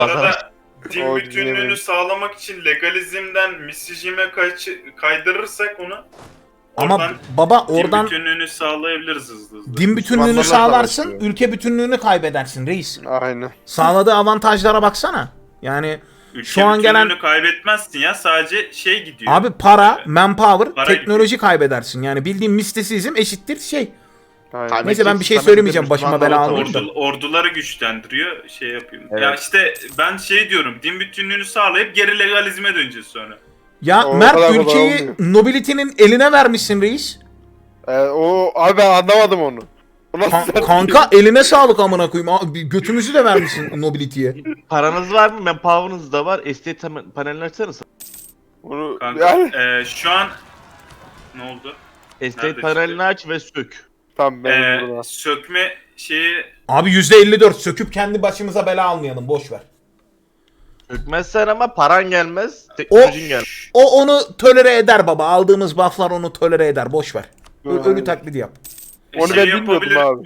Arada din O bütünlüğünü dinlemeyin. sağlamak için legalizmden misijime kaydırırsak onu Ama oradan baba din oradan bütünlüğünü sağlayabiliriz hızlı hızlı. din bütünlüğünü Müslümanlarla sağlarsın, savaşıyor. ülke bütünlüğünü kaybedersin reis. Aynen. Sağladığı avantajlara baksana. Yani Ülke şu an gelen bütünlüğünü kaybetmezsin ya, sadece şey gidiyor. abi para, manpower, Para teknoloji kaybedersin. Yani bildiğin mistisizm eşittir şey. Aynen. Neyse ben bir şey Samet söylemeyeceğim, de başıma Müslümanlara bela almayayım da. Orduları güçlendiriyor, şey yapayım. Evet. Ya işte ben şey diyorum, din bütünlüğünü sağlayıp geri legalizme döneceğiz sonra. Ya O Mert kadar kolay ülkeyi olmuyor. nobility'nin eline vermişsin reis. O abi ben anlamadım onu. O nasıl Kanka eline sağlık amına koyayım. Abi, götümüzü de vermişsin nobility'ye. Paranız var mı? Manpower'ınız da var. Estate panelini açsanız. Bunu Kanka yani şu an ne oldu? Estate Nerede panelini aç ve sök. tamam ben burada. Sökme şeyi Abi %54 söküp kendi başımıza bela almayalım, boş ver. Sökmezsen ama paran gelmez. O Teknolojin gelmez. onu tolere eder baba. Aldığımız bufflar onu tolere eder, boş ver. Ölü taklidi yap. Onu ben bilmiyordum yapabilir. abi.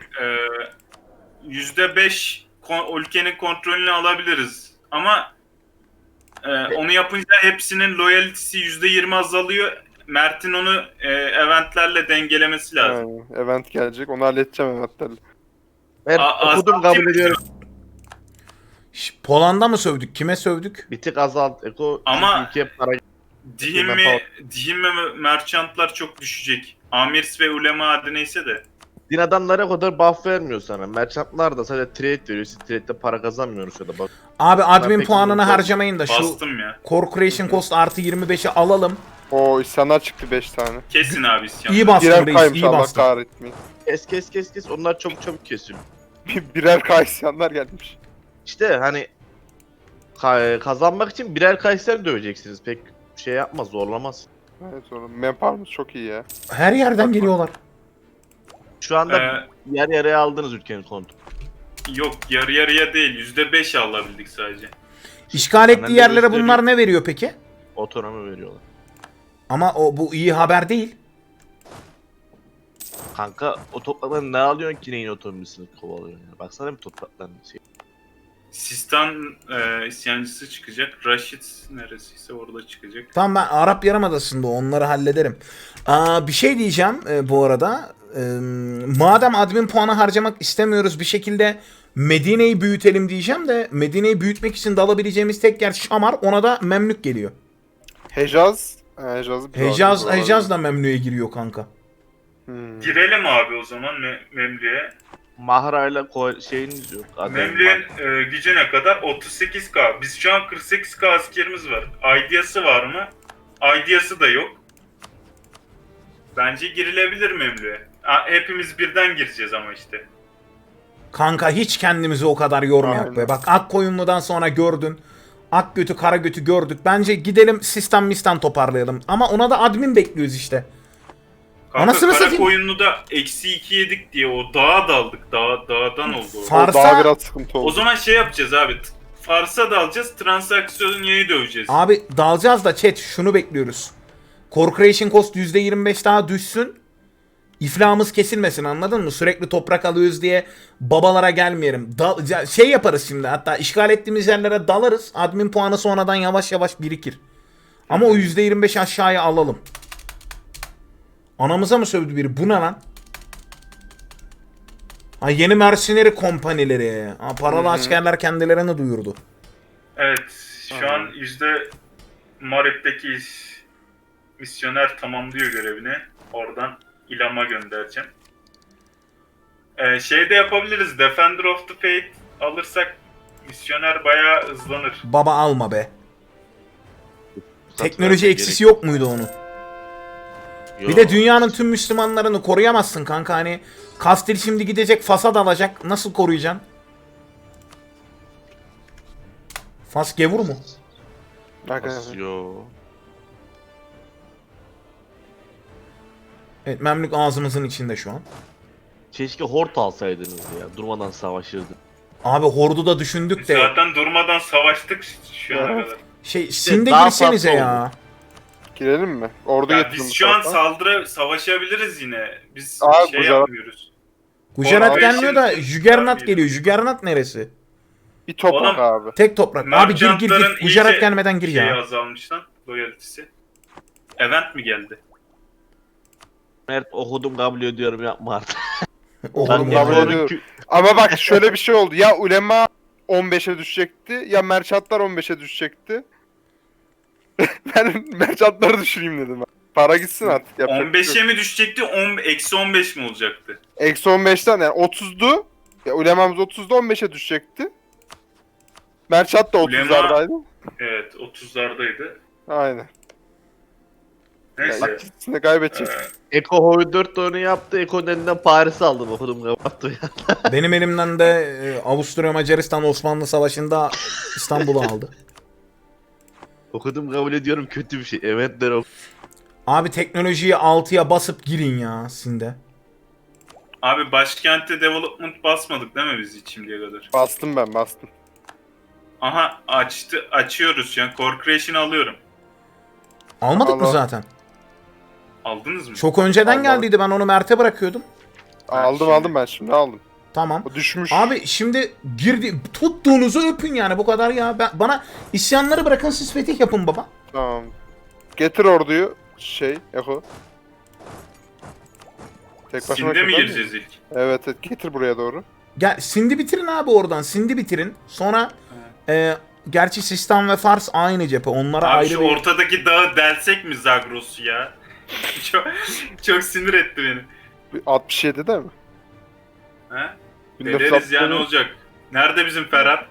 %5 ülkenin kontrolünü alabiliriz. Ama onu yapınca hepsinin loyalty'si %20 azalıyor. Mert'in onu eventlerle dengelemesi lazım. Aynen. Event gelecek. Onu halledeceğim eventlerle. Ben okudum, kabul azaltayım. ediyorum. Poland'a mı sövdük? Kime sövdük? Bir tık azalt. Eko Ama- ülkeye para Dihim ve merchantlar çok düşecek. Amirs ve ulema adı neyse de. din adamlara o kadar buff vermiyor sana. Merchantlar da sadece trade veriyor. Siz trade'de para kazanmıyorsunuz ya da bak. Abi admin pek puanını bilmiyorum. harcamayın da şu Bastım ya. Corporation Cost artı 25'i alalım. O isyanlar çıktı 5 tane. Kesin abi isyan. İyi bastın Birer reis, kaymış iyi Allah bastın. kahretmeyin. Kes. Onlar çok kesiyor. Birer kay isyanlar gelmiş. İşte hani kazanmak için birer Kayseri döveceksiniz. Pek şey yapmaz, zorlamaz. Evet oğlum. Manpower'ımız çok iyi ya. Her yerden geliyorlar. Şu anda Ee, yer yarıya aldınız ülkenin kontrolü. Yok yarı yarıya değil, %5 alabildik sadece. İşgal ettiği Panelde yerlere gösteriyor. bunlar ne veriyor peki? Otonomi veriyorlar. Ama bu iyi haber değil. Kanka o topraklardan ne alıyorsun ki neyin otonomisini kovalıyorsun ya? Baksana bir toprakların şey. Sistan isyancısı çıkacak. Raşit neresiyse orada çıkacak. Tamam, ben Arap Yarımadası'nda onları hallederim. Bir şey diyeceğim bu arada. Madem admin puanı harcamak istemiyoruz, bir şekilde Medine'yi büyütelim diyeceğim de Medine'yi büyütmek için dalabileceğimiz tek yer Şamar, ona da Memlük geliyor. Hecaz. Hecaz'ı bir Hecaz da Memlük'e giriyor kanka. Girelim abi o zaman Memlü'ye. Mahra'yla şeyiniz yok. Memlü'nün gücü ne kadar? 38k. Biz şu an 48k askerimiz var. Ideası var mı? Ideası da yok. Bence girilebilir Memlü'ye. Hepimiz birden gireceğiz ama işte. Kanka hiç kendimizi o kadar yormayak be. Aynen. Bak Akkoyunlu'dan sonra gördün. Ak götü kara götü gördük. Bence gidelim sistem mistan toparlayalım. Ama ona da admin bekliyoruz işte. Kanka Anasını kara satayım. koyunlu da -2 yedik diye o dağa daldık. Dağdan oldu o. Farsa- Daha biraz sıkıntı O oldu. zaman şey yapacağız abi. Fars'a dalacağız. Transaksiyonu döveceğiz. Abi dalacağız da chat şunu bekliyoruz. Corporation Cost %25 daha düşsün. İflahımız kesilmesin, anladın mı? Sürekli toprak alıyoruz diye babalara gelmeyelim. Şey yaparız şimdi, hatta işgal ettiğimiz yerlere dalarız. Admin puanı sonradan yavaş yavaş birikir. Ama o %25 aşağıya alalım. Anamıza mı sövdü biri? Bu ne lan? Ha, yeni mercenary kompanileri. Ha, paralı askerler kendilerini duyurdu. Evet. Şu an Marep'teki misyoner tamamlıyor görevini. Oradan İlam'a göndereceğim. Şey de yapabiliriz. Defender of the Faith alırsak misyoner bayağı hızlanır. Baba alma be. Teknoloji eksisi yok muydu onun? Bir de dünyanın tüm Müslümanlarını koruyamazsın kanka, hani Kastil şimdi gidecek Fas'a dalacak, nasıl koruyacaksın? Fas gevur mu? Arkadaşlar. Yo. Evet, Memlük ağzımızın içinde şu an. Keşke hort alsaydınız ya. Durmadan savaşırdı. Abi Hord'u da düşündük de Zaten durmadan savaştık şu ana Evet. kadar. Sinde daha girsenize farklı ya. Girelim mi? Ordu Ya getirin biz bu şu an tarafa. savaşabiliriz yine. Biz Abi, şey Gujarat- yapmıyoruz. Gujarat Orada gelmiyor da işin- Juggernaut geliyor. Juggernaut neresi? Bir toprak Oğlum, abi. Tek toprak. Abi gir Merchantların gir. Gujarat iyice gelmeden gir şeyi ya. azalmış lan. Loyalitesi. Event mi geldi? Mert okudum kabul ediyorum yapma artık. Okudum kabul ya. ediyorum. Ama bak şöyle bir şey oldu. Ya ulema 15'e düşecekti ya merchantlar 15'e düşecekti. Ben merchantları düşüreyim dedim. Para gitsin artık. Yapacak bir şey 15'e yok. mi düşecekti? Eksi 15 mi olacaktı? Eksi 15'ten yani 30'du. Ya ulemamız 30'da 15'e düşecekti. Merchant da Ulema- 30'lardaydı. Evet 30'lardaydı. Aynen. Ya Neyse. ikisini de kaybedecek. Eko Hoy 4 oyunu yaptı. Eko'nun elinden Paris'i aldım okudum kapattı ya. Benim elimden de Avusturya Macaristan Osmanlı Savaşı'nda İstanbul'u aldı. Okudum kabul ediyorum kötü bir şey. Eventler ok. Abi teknolojiyi 6'ya basıp girin ya Sinde. Abi başkente development basmadık değil mi biz hiç şimdiye kadar? Bastım ben bastım. Aha açıyoruz şu an. Core Creation'ı alıyorum. Almadık mı Allah. zaten? Aldınız mı? Çok önceden Allah. geldiydi, ben onu Mert'e bırakıyordum. Aldım ben şimdi aldım. Tamam. O düşmüş. Abi şimdi girdi, tuttuğunuzu öpün yani, bu kadar ya. Bana isyanları bırakın, siz fetih yapın baba. Tamam. Getir orduyu. Eko. Tek başıma Sinde mi kadar gireceğiz ilk? Evet, getir buraya doğru. Gel Sindi bitirin abi oradan, Sindi bitirin. Sonra gerçi Sistan ve Fars aynı cephe, onlara Abi ayrı şu bir... ortadaki dağı delsek mi Zagros'u ya? çok, çok sinir etti beni. 67'de mi? He? 1960'da Deleriz ya, ne mı? olacak? Nerede bizim Ferhat?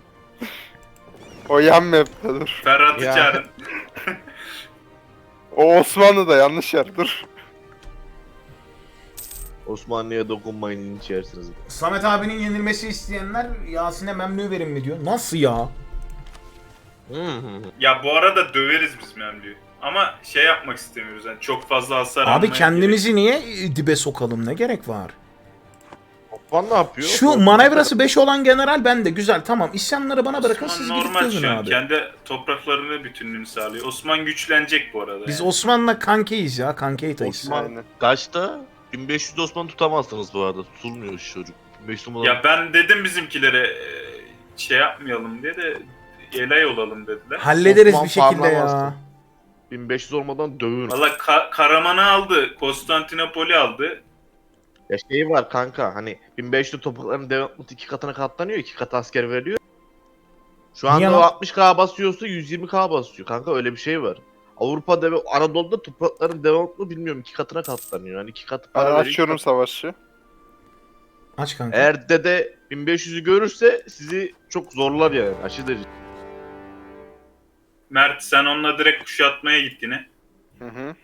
O yan map'te dur. Ferhat'ı Ya. çağırın. O Osmanlı'da yanlış yer dur. Osmanlı'ya dokunmayın içerisiniz. Samet abinin yenilmesi isteyenler Yasin'e memnun verin mi diyor. Nasıl ya? Ya bu arada döveriz biz Memlü'yü. Ama şey yapmak istemiyoruz yani, çok fazla hasar Abi almaya kendimizi niye dibe sokalım, ne gerek var? Osman ne yapıyor? Şu manevrası 5 olan general bende, güzel, tamam. İsyanları bana bırakın, Osman siz gidip normal çözün şu an. abi. Kendi topraklarını bütünlüğünü sağlıyor. Osman güçlenecek bu arada. Biz yani. Osman'la kankeyiz ya, kankeytayız. Osman Aynen. kaçta? 1500 Osman tutamazsınız bu arada. Tutulmuyor şu çocuk. 1500 Osman. Ya ben dedim bizimkilere şey yapmayalım diye de elay olalım dediler. Hallederiz Osman bir şekilde ya. parlamazdı. 1500 olmadan dövün. Valla Karaman'ı aldı, Konstantinopol'i aldı. Ya şey var kanka hani 1500 toprakların devamlı 2 katına katlanıyor. 2 kat asker veriliyor. Şu Niye anda o lan? 60k basıyorsa 120k basıyor. Kanka öyle bir şey var. Avrupa'da ve Anadolu'da toprakların devamlı bilmiyorum 2 katına katlanıyor. Yani 2 katı Ben para veriyor. açıyorum savaşı. Aç kanka. Eğer dede 1500'ü görürse sizi çok zorlar yani aşırı derece. Mert sen onunla direkt kuşatmaya git yine. Hı hı.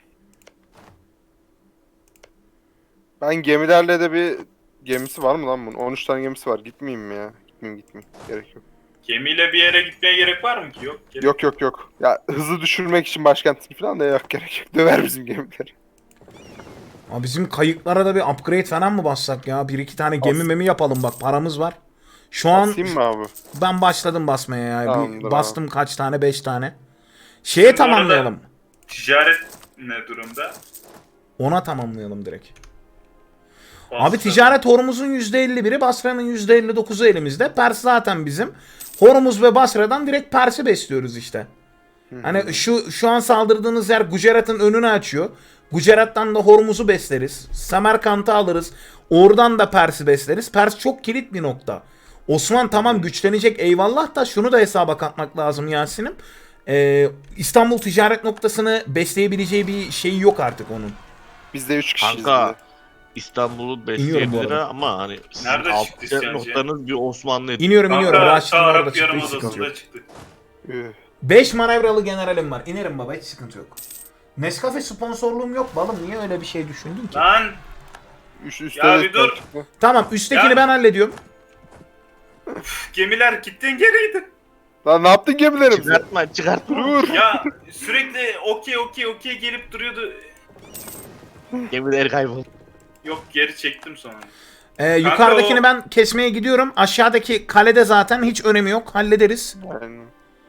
Ben gemilerle de bir gemisi var mı lan bunun? 13 tane gemisi var. Gitmeyeyim mi ya? Gitmeyeyim. Gerek yok. Gemiyle bir yere gitmeye gerek var mı ki? Yok. Yok. Ya hızlı düşürmek için başkentini falan da yok, gerek yok. Döver bizim gemileri. Abi bizim kayıklara da bir upgrade falan mı bassak ya? Bir iki tane gemi memi yapalım, bak paramız var. Şu an Basayım mı abi? ben başladım basmaya ya. Tamamdır Bir abi. bastım kaç tane? 5 tane. Şeye Bu arada- tamamlayalım. Ticaret ne durumda? Ona tamamlayalım direkt. Basra. Abi ticaret Hormuz'un %51'i, Basra'nın %59'u elimizde. Pers zaten bizim. Hormuz ve Basra'dan direkt Pers'i besliyoruz işte. Hani şu an saldırdığınız yer Gujarat'ın önünü açıyor. Gujarat'tan da Hormuz'u besleriz. Semerkant'ı alırız. Oradan da Pers'i besleriz. Pers çok kilit bir nokta. Osman tamam güçlenecek eyvallah da şunu da hesaba katmak lazım Yasin'im. İstanbul ticaret noktasını besleyebileceği bir şey yok artık onun. Biz de 3 kişiyiz. Kanka bir de. İstanbul'u İniyorum bu besleyebilir arada. ama hani sizin Nerede alt çıktı isyancı? noktanız bir Osmanlı İniyorum. Kanka Raşit'in orada Arap çıktı, hiç sıkıntı yok. Yarımadası'nda çıktı. Üh. 5 manevralı generalim var. İnerim baba, hiç sıkıntı yok. Nescafe sponsorluğum yok balım. Niye öyle bir şey düşündün ki? Lan Üstte Ya de bir dur. çıktı. Tamam, üsttekini Ya- ben hallediyorum. gemiler gittiğin geriydi. Lan ne yaptın gemilerimizi? çıkartma. Dur. Ya sürekli okey gelip duruyordu. Gemiler kayboldu. Yok geri çektim sonra. Yukarıdakini o- ben kesmeye gidiyorum. Aşağıdaki kalede zaten hiç önemi yok. Hallederiz. Aynen.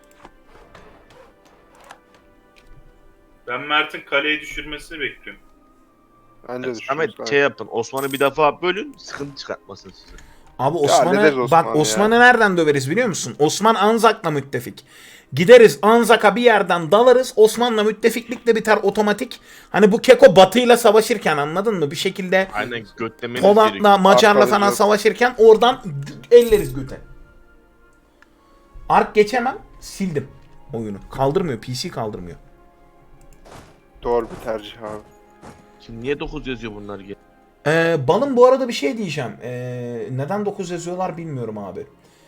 Ben Mert'in kaleyi düşürmesini bekliyorum. Bence de Ahmet şey yapın Osman'ı bir defa bölün sıkıntı çıkartmasın size. Abi hallederiz Osman'ı Osman'ı bak ya. Osman'ı nereden döveriz biliyor musun? Osman Anzak'la müttefik. Gideriz Anzak'a bir yerden dalarız. Osman'la müttefiklik de biter otomatik. Hani bu Keko Batı'yla savaşırken anladın mı? Bir şekilde Aynen götlemeniz Poland'la gerekiyor. Macar'la falan Arkalayacağız. savaşırken oradan elleriz göte. Ark geçemem. Sildim oyunu. Kaldırmıyor. PC kaldırmıyor. Doğru bir tercih abi. Şimdi niye 9 yazıyor bunlar ki? Balım bu arada bir şey diyeceğim. Neden 9 yazıyorlar bilmiyorum abi.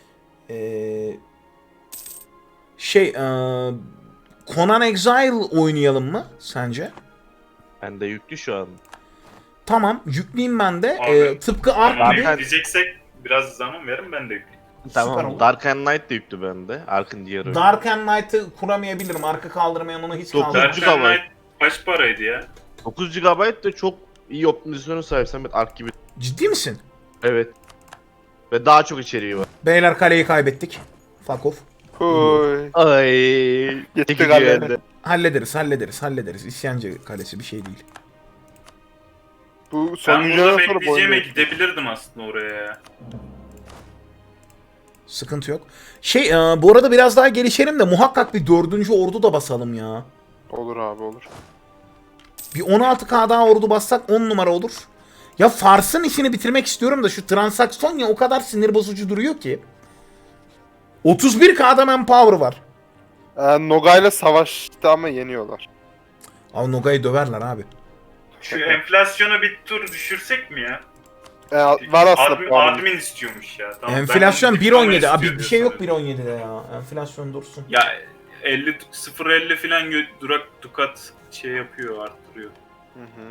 Conan Exile oynayalım mı sence? Bende yüklü şu an. Tamam yükleyeyim ben de. Abi, Tıpkı Ark Ama gibi. bekleyeceksek biraz zaman verin ben de yükleyeyim. Süper olur. Dark and Light de yüklü bende. Ark'ın diğer oyunu. Dark and Light'ı kuramayabilirim. Arkı kaldırmayan onu hiç Dokuz- kaldırmam. Dark and GB. Light kaç paraydı ya? 9 GB de çok iyi optimizasyonu sahip Samet, Ark gibi. Ciddi misin? Evet. Ve daha çok içeriği var. Beyler kaleyi kaybettik. Fuck off. Huy. Ay. Gitti çekici galiba. elde. Hallederiz. İsyancı kalesi bir şey değil. Bu Ben son burada videodan sonra bu bekleyeceğime oyunu gidebilirdim aslında oraya ya. Sıkıntı yok. Bu arada biraz daha gelişelim de muhakkak bir 4. ordu da basalım ya. olur abi olur. Bir 16K daha ordu bassak 10 numara olur. Ya Fars'ın işini bitirmek istiyorum da şu transaksiyon ya o kadar sinir bozucu duruyor ki. 31K'da manpower var. Nogay'la savaştı ama yeniyorlar. Abi Noga'yı döverler abi. Şu enflasyonu bir tur düşürsek mi ya? Var aslında puanı. Admin istiyormuş ya. Tamam, Enflasyon ben bunu diploma 1.17. Abi istiyor bir şey yok diyorsun. 1.17'de ya. Enflasyon dursun. Ya 0.50 falan dukat şey yapıyor, arttırıyor. Hı hı.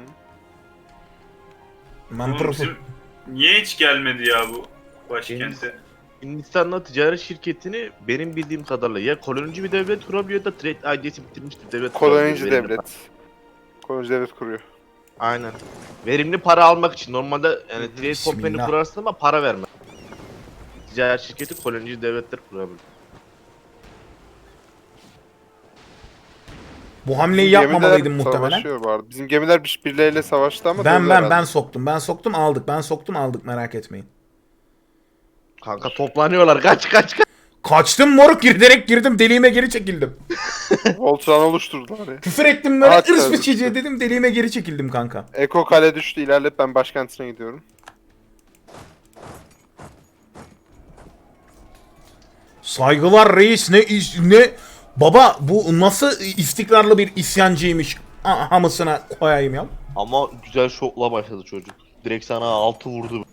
Oğlum Mantıklı. bizim niye hiç gelmedi ya bu başkente? Hindistan'la ticaret şirketini benim bildiğim kadarıyla ya kolonici bir devlet kurabiliyor ya da trade ID'si bitirmiştir devlet. Kolonici kurabiliyor, verimli devlet. Kolonici devlet kuruyor. Aynen. Verimli para almak için. Normalde yani trade company Bismillah. kurarsın ama para verme. Ticaret şirketi kolonici devletler kurabilir. Bu hamleyi Bizim yapmamalıydım gemiler muhtemelen. savaşıyor bu arada. Bizim gemiler birbirleriyle savaştı ama Ben döndü herhalde. soktum aldık. Ben soktum aldık merak etmeyin. Kanka toplanıyorlar. Kaç. Kaçtım moruk girerek girdim deliğime geri çekildim. Voltran oluşturdular ya. Küfür ettim böyle At ırs tabii. biçiciye dedim deliğime geri çekildim kanka. Eko kale düştü, ilerleyip ben başkentine gidiyorum. Saygılar reis ne baba bu nasıl istikrarlı bir isyancıymış hamısına koyayım ya. Ama güzel şokla başladı çocuk. Direkt sana 6 vurdu.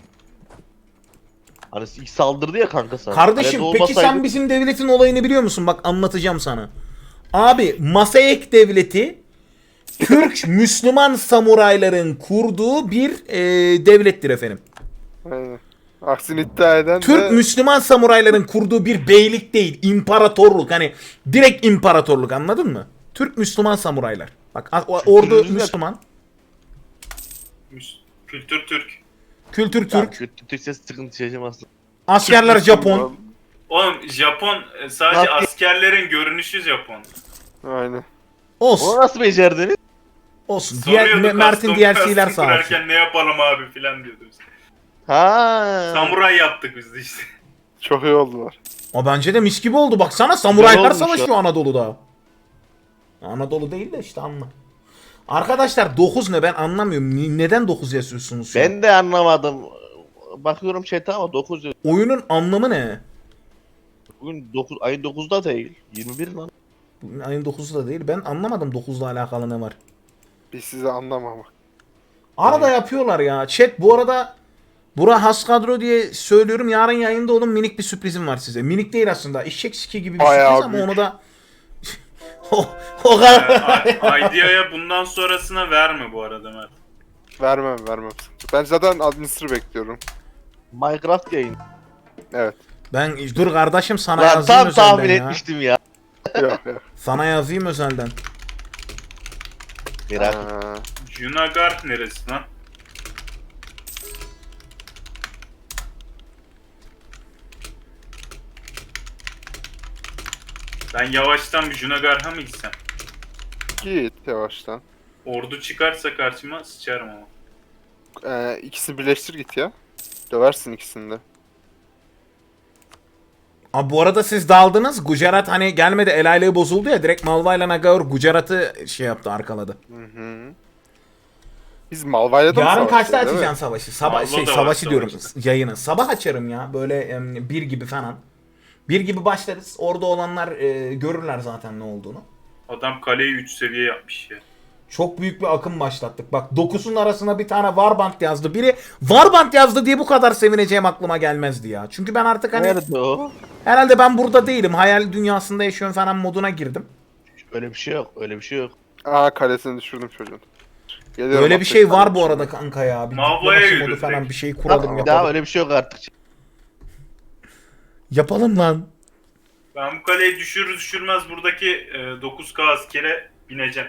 Hani ilk saldırdı ya kanka sana. Kardeşim Eğer peki olmasaydı- sen bizim devletin olayını biliyor musun? Bak anlatacağım sana. Abi Masayek devleti Türk Müslüman samurayların kurduğu bir devlettir efendim. Aynen. Aksini iddia eden Türk de Müslüman samurayların kurduğu bir beylik değil, imparatorluk. Hani direkt imparatorluk anladın mı? Türk Müslüman samuraylar. Bak ordu Kültürümüz ne? Müslüman, Kültür Türk. kültür Tamam, Türk, kötü Türkçe sıkıntı yaşamazsın. askerler Japon. Oğlum Japon sadece Nasıl- askerlerin görünüşü Japon. Aynen. Olsun, Onu nasıl becerdiniz? olsun. Soruyordu Mert'in custom DLC'ler custom sağ olsun. kurarken ne yapalım abi filan diyordu bize. Ha. Samuray yaptık biz de işte. Çok iyi oldular. O bence de mis gibi oldu. Baksana samuraylar olmuş savaşıyor Anadolu'da. Anadolu değil de işte anla. Arkadaşlar 9 ne ben anlamıyorum. Neden 9 yazıyorsunuz? şu an? Ben de anlamadım. Bakıyorum chat'e ama 9 diyor. Oyunun anlamı ne? Bugün 9 ayın 9'da değil. 21 lan. Bugün ayın 9'u da değil. Ben anlamadım 9'la alakalı ne var. Biz sizi anlamamak. Arada yapıyorlar ya. Chat bu arada Bura has kadro diye söylüyorum. Yarın yayında onun minik bir sürprizim var size. Minik değil aslında. Eşek siki gibi bir Bayağı sürpriz ama büyük. onu da o kadar. Idea'ya bundan sonrasına verme bu arada Mert. Vermem. Ben zaten administer bekliyorum. Minecraft yayın. Evet. Ben dur kardeşim sana Lan yazayım tam özelden tahmin ya. etmiştim ya. Yok. Sana yazayım özelden. Merak Ha, Junagar neresi lan? Ben yavaştan bir Junagar'a mı gitsem? git yavaştan. Ordu çıkarsa karşıma sıçarım ama. İkisini birleştir git ya. Döversin ikisini de. Abi bu arada siz daldınız. Gujarat hani gelmedi, el aylığı bozuldu ya. Direkt Malva ile Nagaur Gujarat'ı şey yaptı, arkaladı. Biz Malvayla da mı Yarın kaçta savaşacağız, değil mi? açacaksın savaşı? Sabah Malva da var savaşı diyorum, savaşta. yayını. Sabah açarım ya. Böyle 1 gibi falan. 1 gibi başlarız. Orada olanlar görürler zaten ne olduğunu. Adam kaleyi 3 seviye yapmış ya. Çok büyük bir akım başlattık. Bak 9'un arasına bir tane Warband yazdı. Biri Warband yazdı diye bu kadar sevineceğim aklıma gelmezdi ya. Çünkü ben artık hani Nerede o? herhalde ben burada değilim. Hayal dünyasında yaşıyorum falan moduna girdim. Öyle bir şey yok. Öyle bir şey yok. Aa, kalesini düşürdüm çocuğun. Geliyorum, Böyle bir atlet şey var kalemi bu şimdi. arada kanka ya. Bir Mavlaya diplomasi modu yürüdük. falan bir şey kuralım, Bir yapalım. daha öyle bir şey yok artık. Yapalım lan. Ben bu kaleyi düşürür düşürmez buradaki 9K askere bineceğim.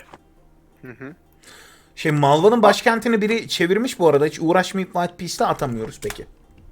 Şey, Malva'nın başkentini biri çevirmiş bu arada. Hiç uğraşmayıp White Peace'te atamıyoruz peki.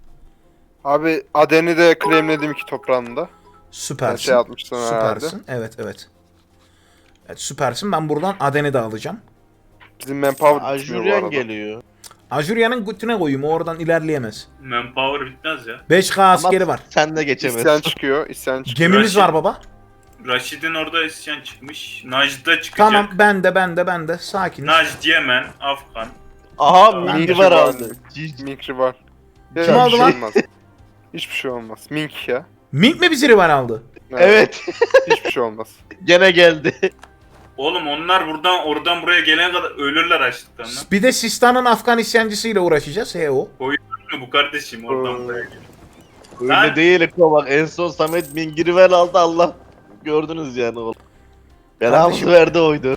Abi Aden'i de claimledim iki toprağında. Süpersin. Şey atmıştın herhalde. Süpersin. Evet evet. Evet süpersin. Ben buradan Aden'i de alacağım. Bizim manpower bitmiyor bu Ajuryan arada. geliyor. Ajurya'nın götüne koyayım. O oradan ilerleyemez. Manpower bitmez ya. 5K askeri Ama var. sen de geçemezsin. İsyan çıkıyor, isyan çıkıyor. Gemimiz var baba. Raşid'in orada isyan çıkmış. Najd'da çıkacak. Tamam, ben de. Sakin. Najd, Yemen, Afgan. Aha Ben Mingi de var şu aldı. an- Mink var. Ya, Kim bir aldı şey lan? olmaz. Hiçbir şey olmaz. Mink ya. Mink mi bizi rival aldı? Evet. Hiçbir şey olmaz. Gene geldi. Oğlum onlar oradan buraya gelene kadar ölürler açlıktan lan. Bir de Sistan'ın Afgan isyancısıyla uğraşacağız. O. Bu kardeşim oradan buraya gel. Öyle Ben- değil Eko, bak en son Samet Mingirivel aldı, Allah. Gördünüz yani oğlum. Belamızı Kardeşim- verdi oydu.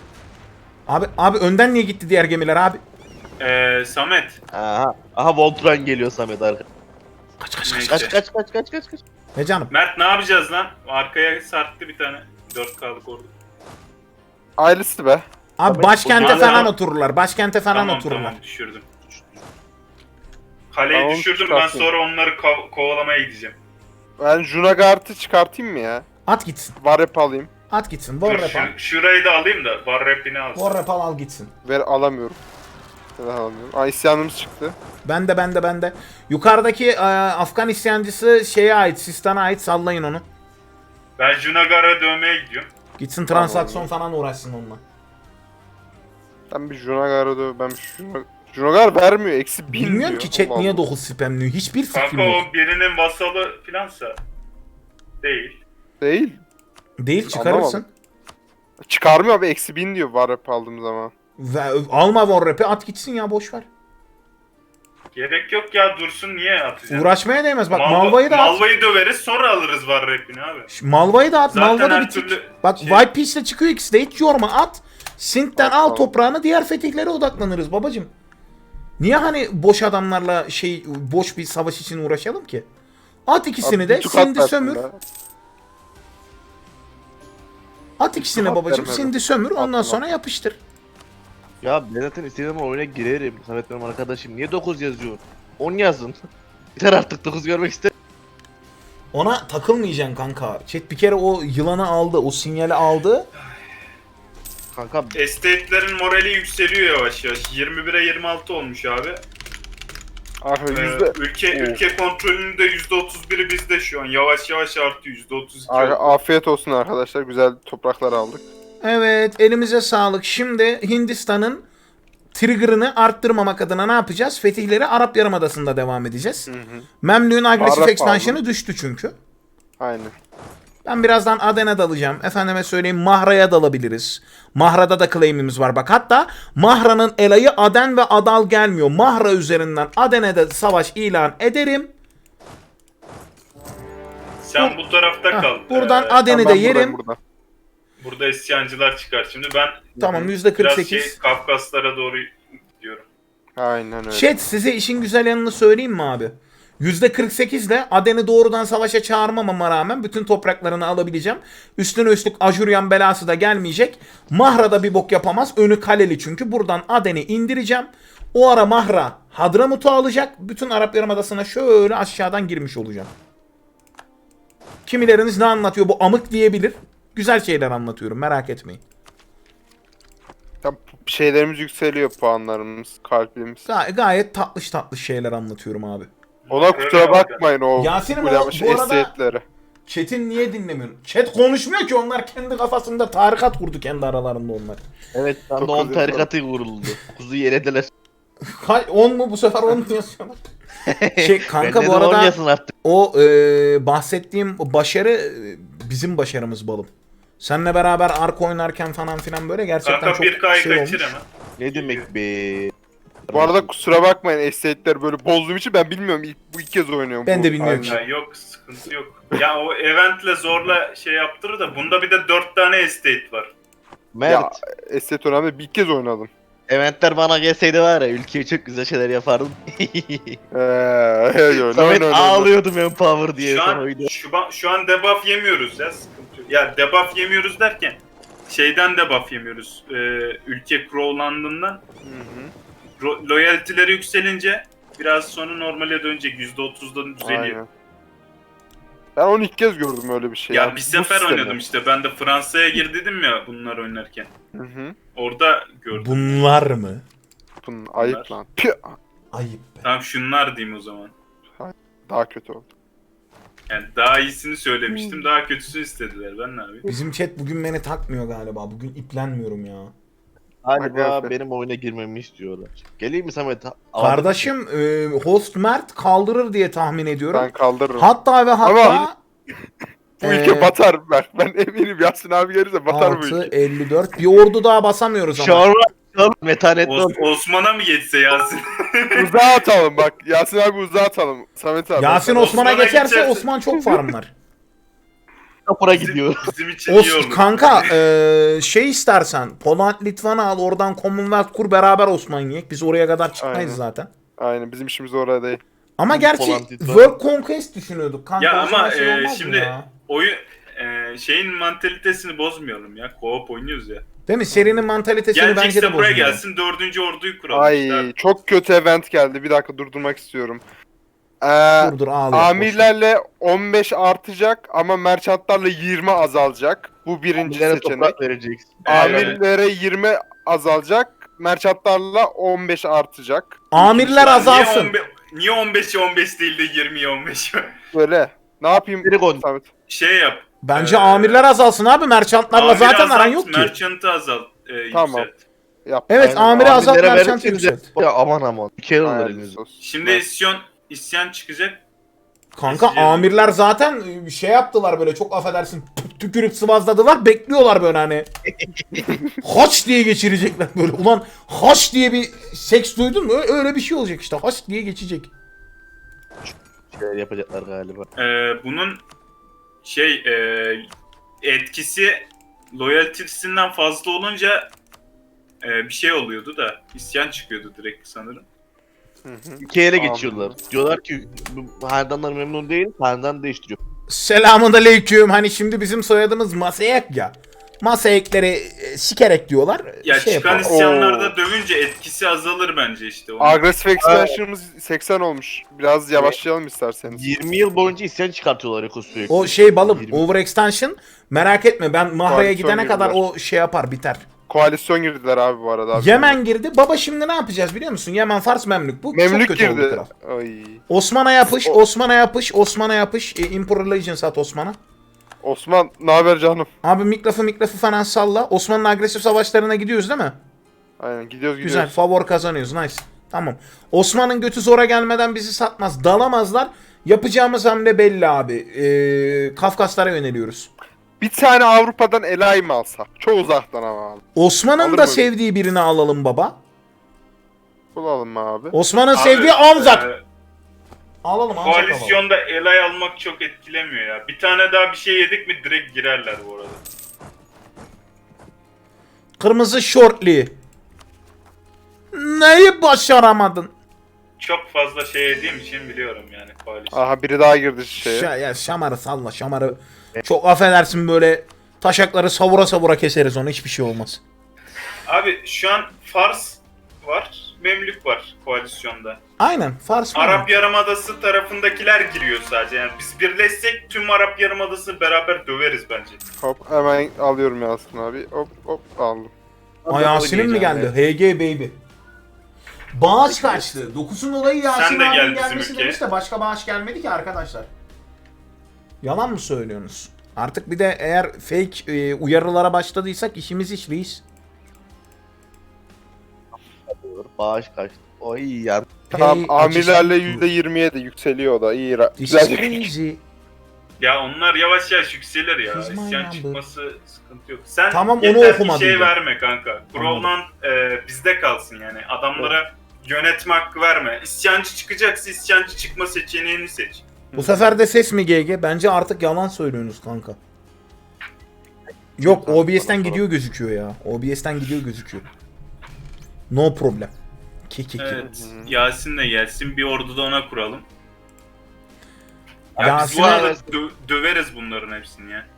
Abi önden niye gitti diğer gemiler abi? Samet. Aha Voltran geliyor Samet arka. Neyse. Kaç. Ne canım? Mert ne yapacağız lan? Arkaya sarktı bir tane. 4K'lık orada. Ailesi be. Abi Tabii, başkente o- falan otururlar. Başkente falan Tamam otururlar. tamam düşürdüm. Kaleyi Tamam, düşürdüm, ben çıkartayım. sonra onları kovalamaya gideceğim. Ben Junagart'ı çıkartayım mı ya? At gitsin. Varep alayım. At gitsin. Dur, Warrap al. şurayı da alayım da var rapini alsın. Warrap al gitsin. Alamıyorum. Neden alamıyorum? Aa, isyanımız çıktı. Bende. Yukarıdaki Afgan isyancısı şeye ait, Sistan'a ait, sallayın onu. Ben Junagar'a dövmeye gidiyorum. Gitsin transaksiyon falan uğraşsın onunla. Ben bir Junagar'a döv. Ben bir Junagar vermiyor. Eksi 1000 Bilmiyorum diyor. ki chat Allah niye Allah. 9 spamliyor. Hiçbir fikrim Kanka yok. o birinin vasalı filansa. Değil. Değil. Değil, çıkarırsın. Anlamadım. Çıkarmıyor abi. Eksi 1000 diyor Varep aldığım zaman. Alma Warrap'i, at gitsin ya, boş ver. Gerek yok ya, dursun, niye atacaksın? Uğraşmaya değmez. Bak Malva'yı da at. Malva'yı döveriz sonra alırız var rapini abi. Malva'yı da at. Zaten Malva da her bitik. türlü Bak şey- White Peace'le çıkıyor ikisi de, hiç yorma, at. Sint'ten At, al tamam. toprağını, diğer fetihlere odaklanırız babacım. Niye hani boş adamlarla boş bir savaş için uğraşalım ki? At ikisini Abi, de, bir tukat Sind'i versin sömür. be. At ikisini Tukat babacım, vermedim. Sind'i sömür, ondan Atma. sonra yapıştır. Ya ben zaten istediğim zaman oyuna girerim. Samet benim arkadaşım. Niye 9 yazıyor? 10 yazın. Biter artık, 9 görmek ister. Ona takılmayacaksın kanka. Chat bir kere o yılanı aldı, o sinyali aldı. Kanka Estate'lerin morali yükseliyor yavaş yavaş. 21'e 26 olmuş abi. Arka yüzde... Ülke kontrolünün de %31'i bizde şu an. Yavaş yavaş artıyor. %32 Arka, oldu. afiyet olsun arkadaşlar. Güzel topraklar aldık. Evet, elimize sağlık. Şimdi Hindistan'ın trigger'ını arttırmamak adına ne yapacağız? Fetihleri Arap Yarımadası'nda devam edeceğiz. Memlük'ün agresif Arap expansion'ı aldım. düştü çünkü. Aynen. Ben birazdan Aden'e dalacağım. Efendime söyleyeyim, Mahra'ya dalabiliriz. Mahra'da da claim'imiz var bak. Hatta Mahra'nın elayı Aden ve Adal gelmiyor. Mahra üzerinden Aden'e de savaş ilan ederim. Sen bu tarafta kal. Buradan Ee, Aden'i de Ben buradayım yerim. burada. Burada isyancılar çıkar. Şimdi ben Tamam, biraz %48. Kafkaslara doğru gidiyorum. Aynen öyle. Chat, size işin güzel yanını söyleyeyim mi abi? %48 ile Aden'i doğrudan savaşa çağırmamama rağmen bütün topraklarını alabileceğim. Üstüne üstlük Ajuryan belası da gelmeyecek. Mahra'da bir bok yapamaz. Önü kaleli çünkü. Buradan Aden'i indireceğim. O ara Mahra Hadramut'u alacak. Bütün Arap Yarımadası'na şöyle aşağıdan girmiş olacağım. Kimileriniz ne anlatıyor bu amık diyebilir. Güzel şeyler anlatıyorum, merak etmeyin. Ya, şeylerimiz yükseliyor, puanlarımız, kalbimiz. Gayet tatlış tatlış şeyler anlatıyorum abi. Ona kusura bakmayın o Yasin'im ulema bu arada- esiyetleri. Chat'in niye dinlemiyorsun? Chat konuşmuyor ki, onlar kendi kafasında tarikat kurdu kendi aralarında onlar. Evet şu anda Çok 10 güzel. tarikatı vuruldu. Kuzu yerediler. 10 mu bu sefer 10 mu yazıyorlar? Kanka bu arada Oynasın artık. o bahsettiğim başarı bizim başarımız balım. Seninle beraber ark oynarken falan filan böyle gerçekten Kanka çok 1K'yı şey kaçır olmuş. hemen. Ne demek be? Bu arada kusura bakmayın esiyetleri böyle bozduğum için ben bilmiyorum. Bu ilk kez oynuyorum. Ben bu de bilmiyorum. halde. Ya yok sıkıntı yok. Ya o eventle zorla şey yaptırır da bunda bir de 4 tane estate var. Mert. Ya esiyet önemli bir ilk kez oynadım. Eventler bana gelseydi var ya ülkeye çok güzel şeyler yapardım. Öyle Samet öyle. ağlıyordum Empower diye Şu son an, oyunda. şu an debuff yemiyoruz ya sıkıntı yok. Ya debuff yemiyoruz derken şeyden debuff yemiyoruz. Ülke crowlandığından loyalty'leri yükselince biraz sonra normale dönecek. %30'dan düzeliyor. Aynen. Ben onu ilk kez gördüm öyle bir şey. Ya abi. bir Bu sefer sistemi. oynadım işte. Ben de Fransa'ya girdim ya bunlar oynarken. Hı hı. Orada gördüm. Bunlar mı? Bunun ayıp lan. Pih! Ayıp be. Tamam şunlar diyeyim o zaman. Daha kötü oldu. Yani daha iyisini söylemiştim. Daha kötüsünü istediler. Ben ne yapayım? Bizim chat bugün beni takmıyor galiba. Bugün iplenmiyorum ya. Galiba Aga be. benim oyuna girmemi istiyorlar. Geleyim mi Samet? Kardeşim host Mert kaldırır diye tahmin ediyorum. Ben kaldırırım. Hatta ve hatta Ama- Bu ülke Ee, batar. Ben eminim Yasin abi gelirse batar bu 6, ülke. 54. Bir ordu daha basamıyoruz ama. Şorva metanetli ol. Osman'a mı geçse Yasin? Uzağa atalım bak. Yasin abi uzağa atalım. Samet abi. Yasin Osman. Osman'a Osman'a geçerse geçerse- Osman çok farm var. Kapıra gidiyor. Bizim için iyi olur. Kanka şey istersen Poland Litvan'ı al, oradan Commonwealth kur, beraber Osman yiyek. Biz oraya kadar çıkmayız Aynen. zaten. Aynen bizim işimiz orada değil. Ama gerçi Poland Litvan. World Conquest düşünüyorduk kanka. Ya o zaman ama şey olmaz mı şimdi ya? oyun şeyin mantalitesini bozmayalım ya. Co-op oynuyoruz ya. Değil mi? Serinin mantalitesini bence Gelecekse de buraya bozuyor. gelsin 4. orduyu kuralım. Ay işte. çok kötü event geldi. Bir dakika durdurmak istiyorum. Dur ağlıyor. Amirlerle 15 artacak ama merchantlarla 20 azalacak. Bu birinci Nereye seçenek. toprak vereceksin? Amirlere 20 azalacak. Merchantlarla 15 artacak. Amirler Niye azalsın. Niye 15'e 15 değil de 20'ye 15? Böyle. Ne yapayım Direkt on. Samet? Şey yap. Bence Ee, amirler azalsın abi. Merchantlarla amiri zaten azalt, aran yok ki. Merchant'ı azalt. Tamam. Yükselt. Yap. Evet Aynen. amiri azalt, Amirlere merchant verirseniz yükselt. Ya aman aman. Bir kere olur Aynen, elinizde. sus. Şimdi isyan çıkacak. Kanka Eskiden- amirler zaten şey yaptılar böyle, çok affedersin, tükürüp sıvazladılar, bekliyorlar böyle hani. Haç diye geçirecekler böyle. Ulan haç diye bir seks duydun mu? Öyle bir şey olacak işte. Haç diye geçecek. Şeyler yapacaklar galiba. Bunun etkisi loyalty'sinden fazla olunca bir şey oluyordu da isyan çıkıyordu direkt sanırım. İki ele Tamam. geçiyorlar. Diyorlar ki bu hanedanlar memnun değil, hanedan değiştiriyor. Selamun aleyküm. Hani şimdi bizim soyadımız Masayek ya. Masayekleri sikerek diyorlar. Ya şey çıkan yapalım. isyanlarda dövünce etkisi azalır bence işte. Onun. Agresif expansion'ımız 80 olmuş. Biraz yavaşlayalım isterseniz. 20 yıl boyunca isyan çıkartıyorlar Eko sürekli. O şey balım, 20. overextension, merak etme, ben Mahra'ya Koalisyon gidene kadar girdiler. o şey yapar, biter. Koalisyon girdiler abi bu arada. Abi. Yemen girdi. Baba şimdi ne yapacağız biliyor musun? Yemen, Fars, Memlük. Bu çok Memlük kötü oldu girdi. kral. Ay. Osman'a yapış, O- Osman'a yapış, Osman'a yapış. Imperial Legions at Osman'a. Osman ne haber canım? Abi mikrafı falan salla. Osman'ın agresif savaşlarına gidiyoruz değil mi? Aynen gidiyoruz Güzel. gidiyoruz. Favor kazanıyoruz. Nice. Tamam. Osman'ın götü zora gelmeden bizi satmaz. Dalamazlar. Yapacağımız hamle belli abi. Kafkaslara yöneliyoruz. Bir tane Avrupa'dan Elay mı alsak? Çok uzaktan ama abi. Osman'ın Alır da mı? sevdiği birini alalım baba. Bulalım mı abi? Osman'ın Abi, sevdiği Anzak. e, Alalım Anzak alalım. Koalisyonda elay almak çok etkilemiyor ya. Bir tane daha bir şey yedik mi direkt girerler bu arada. Kırmızı şortli. Neyi başaramadın? Çok fazla şey yediğim için biliyorum yani koalisyon. Aha biri daha girdi şeye. Ya şamarı salla, şamarı. Çok affedersin, böyle taşakları savura savura keseriz onu, hiçbir şey olmaz. Abi şu an Fars var, Memlük var koalisyonda. Aynen, Fars var. Arap Yarımadası tarafındakiler giriyor sadece. Yani biz birleşsek tüm Arap Yarımadası'nı beraber döveriz bence. Hop hemen alıyorum Yasin abi. Hop hop aldım. Ay Yasin'in mi geldi? HG baby. Bağış kaçtı. 9'un olayı Yasin Sen de gel abinin bizim gelmesi ülkeye. demiş de başka bağış gelmedi ki arkadaşlar. Yalan mı söylüyorsunuz? Artık bir de eğer fake uyarılara başladıysak işimiz iş reis. Bağış kaçtı. Oy ya. Tamam Hey, amirlerle acı- %27 yükseliyor o da. İyi. This Güzel is bir crazy. Ya onlar yavaş yavaş yükselir ya. She's my İsyan number. çıkması sıkıntı yok. Sen Tamam, onu yeter ki okumadım şey ben. verme kanka. Growland bizde kalsın yani. Adamlara yönetme hakkı verme. İsyancı çıkacaksa isyancı çıkma seçeneğini seç. Bu sefer de ses mi GG? Bence artık yalan söylüyorsunuz kanka. Yok OBS'ten gidiyor gözüküyor ya. OBS'ten gidiyor gözüküyor. No problem. Ki. Evet. Yasin de gelsin. Bir ordu da ona kuralım. Ya biz bu Yasin'e- arada döveriz bunların hepsini ya.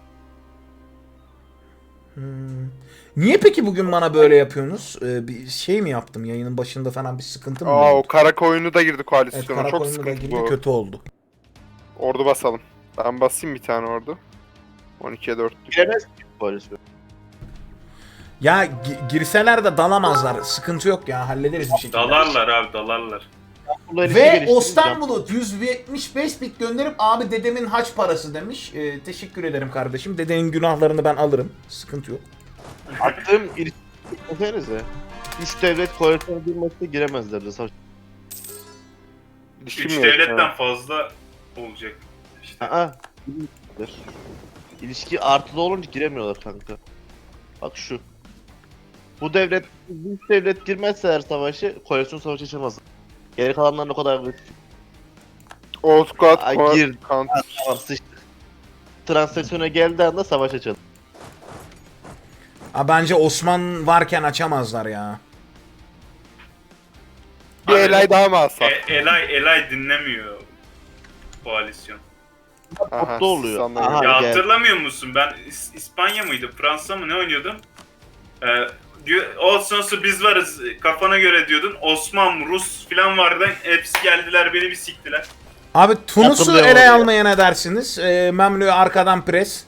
Hmm. Niye peki bugün bana böyle yapıyorsunuz? Bir şey mi yaptım yayının başında falan bir sıkıntı mı Aa o oldu? kara koyunu da girdi Evet, koalisyona. Çok Karakoyun'da da sıkıntı girdi bu. kötü oldu. Ordu basalım. Ben basayım bir tane ordu. 12'ye 4'lük. Giremez ki koalisyon. Ya girseler de dalamazlar. Sıkıntı yok ya hallederiz bir şekilde. Dalarlar abi dalarlar. Bunlar ilişki Ve geliştireceğim. Ostan 175 bit gönderip abi dedemin haç parası demiş. Teşekkür ederim kardeşim. Dedenin günahlarını ben alırım. Sıkıntı yok. Attığım ilişki desenize. 3 devlet koalisyona girmezse giremezlerdi. Savaş. İlişki 3 mi yok? devletten Ha. fazla olacak. İşte. Aa. giremezler. İlişki artılı olunca giremiyorlar kanka. Bak şu. Bu devlet, bu üç devlet girmezse her savaşı, koalisyon savaşı açamaz. Geri kalanların o kadar agresif. Osquad, Ay, gir. Tamam sıçtık. Transaksiyona geldiği anda savaş açalım. Bence Osman varken açamazlar ya. Bir elay daha mı alsak? Elay dinlemiyor koalisyon. Aha, Mutlu oluyor. sandım. Aha. Ya gel. hatırlamıyor musun? Ben İspanya mıydı? Fransa mı ne oynuyordum? Olsun biz varız kafana göre diyordun. Osman, Rus falan vardı. Hepsi geldiler beni bir siktiler. Abi Tunus'u Hatırlıyorum ele ya. almaya ne dersiniz? Memlü'yü arkadan pres.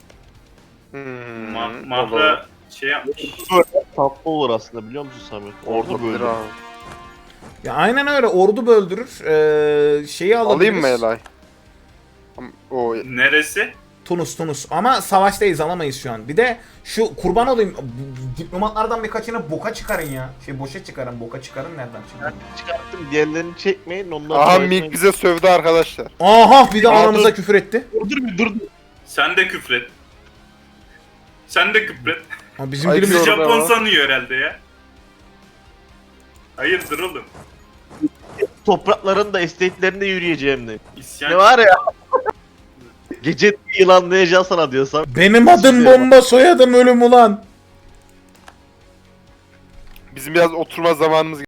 Mahra şey yapmış. Tatlı olur aslında biliyor musun Samet? Orada Ordu böyle. böyle. Ya aynen öyle ordu böldürür. Şeyi alabiliriz. Alayım mı elay? O Neresi? Tunus. Ama savaştayız alamayız şu an. Bir de şu kurban olayım diplomatlardan birkaçını boka çıkarın ya. Boşa çıkarın boka çıkarın nereden şimdi? Çıkarttım diğerlerini çekmeyin ondan Aha sonra- Mik bize sövdü arkadaşlar. Aha bir de Aa, aramıza dur. küfür etti. Dur. Sen de küfret. Sen de küfret. Ha, bizim Ay, dilimiz Bizi Orada Japon var. sanıyor herhalde ya. Hayırdır oğlum? Toprakların da estate'lerinde yürüyeceğim de. İsyan Ne var ya? Gece yılanlayacağız sana diyorsam. Benim adım bomba soyadım ölüm ulan. Bizim biraz oturma zamanımız